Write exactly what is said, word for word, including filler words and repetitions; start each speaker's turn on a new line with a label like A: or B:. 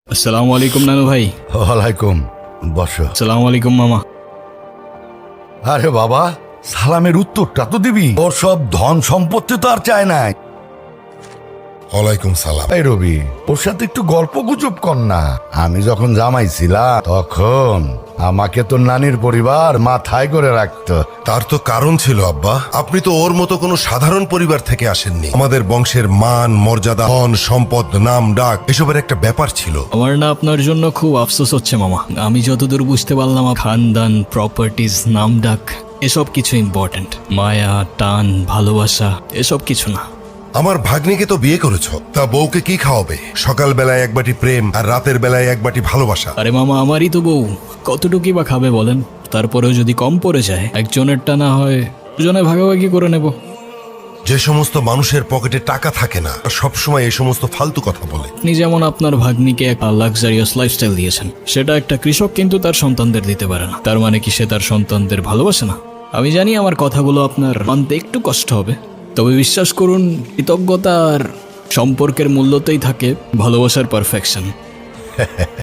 A: আসসালামু আলাইকুম নানু ভাই।
B: ওয়ালাইকুম, বসো।
A: আসসালামু আলাইকুম মামা।
B: আরে বাবা, সালামের উত্তরটা তো দিবি। ওর সব ধন সম্পত্তি তো আর চায় নাই।
C: ওয়ালাইকুম সালাম।
B: এই রবি, ওর সাথে একটু গল্প গুজব কর না। আমি যখন জামাই ছিলাম তখন আমাকে তো নানির পরিবার মাথায় করে রাখতো।
C: তার তো কারণ ছিল আব্বা, আপনি তো ওর মতো কোনো সাধারণ পরিবার থেকে আসেননি। আমাদের বংশের মান মর্যাদা, ধন সম্পদ, নাম ডাক এসবের একটা ব্যাপার ছিল।
A: আমার না আপনার জন্য খুব আফসোস হচ্ছে মামা। আমি যতদূর বুঝতে পারলাম, খানদান, প্রপার্টিজ, নাম ডাক এসব কিছু ইম্পর্টেন্ট। মায়া, টান, ভালোবাসা এসব কিছু না।
C: আমার ভাগ্নিকে তো বিয়ে করেছো, তা বউকে কি খাওয়াবে? সকাল বেলায় এক বাটি প্রেম আর রাতের বেলায় এক বাটি ভালোবাসা।
A: আরে মামা, আমারই তো বউ, কতটুকুই বা খাবে বলেন? তারপরেও যদি কম পড়ে যায়, একজনেরটা না হয় দুজনে ভাগাভাগি করে নেব।
C: যে সমস্ত মানুষের পকেটে টাকা থাকে না, সবসময় এই সমস্ত ফালতু কথা বলে।
A: আপনি যেমন আপনার ভাগ্নিকে একটা লাক্সারিয়াস লাইফস্টাইল দিয়েছেন, সেটা একটা কৃষক কিন্তু তার সন্তানদের দিতে পারে না। তার মানে কি সে তার সন্তানদের ভালোবাসে না? আমি জানি আমার কথাগুলো আপনার মানতে একটু কষ্ট হবে, তবে বিশ্বাস করুন, কৃতজ্ঞতা আর সম্পর্কের মূল্যতেই থাকে ভালোবাসার পারফেকশন।